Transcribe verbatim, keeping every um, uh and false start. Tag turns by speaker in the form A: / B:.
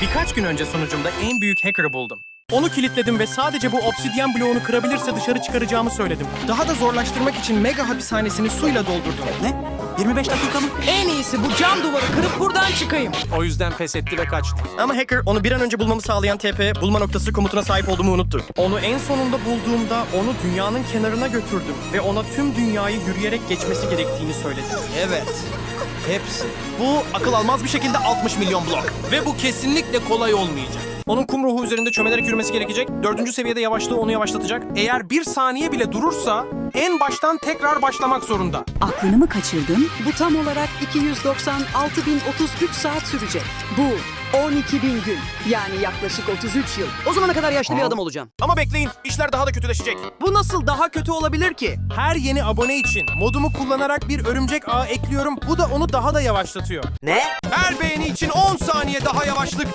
A: Birkaç gün önce sunucumda en büyük hacker'ı buldum. Onu kilitledim ve sadece bu obsidyen bloğunu kırabilirse dışarı çıkaracağımı söyledim. Daha da zorlaştırmak için mega hapishanesini suyla doldurdum.
B: Ne? yirmi beş dakika mı?
C: En iyisi bu cam duvarı kırıp buradan çıkayım.
D: O yüzden pes etti ve kaçtı.
A: Ama hacker onu bir an önce bulmamı sağlayan T P bulma noktası komutuna sahip olduğumu unuttu. Onu en sonunda bulduğumda onu dünyanın kenarına götürdüm ve ona tüm dünyayı yürüyerek geçmesi gerektiğini söyledim.
D: Evet. Hepsi. Bu akıl almaz bir şekilde altmış milyon blok. Ve bu kesinlikle kolay olmayacak. Onun kum ruhu üzerinde çömelerek yürümesi gerekecek. Dördüncü seviyede yavaşlığı onu yavaşlatacak. Eğer bir saniye bile durursa en baştan tekrar başlamak zorunda.
E: Aklını mı kaçırdın? Bu tam olarak iki yüz doksan altı bin otuz üç saat sürecek. Bu on iki bin gün. Yani yaklaşık otuz üç yıl.
B: O zamana kadar yaşlı bir adam olacağım.
D: Ama bekleyin, işler daha da kötüleşecek.
B: Bu nasıl daha kötü olabilir ki?
D: Her yeni abone için modumu kullanarak bir örümcek ağı ekliyorum. Bu da onu daha da yavaşlatıyor.
B: Ne?
D: Her beğeni için on saniye daha yavaşlık.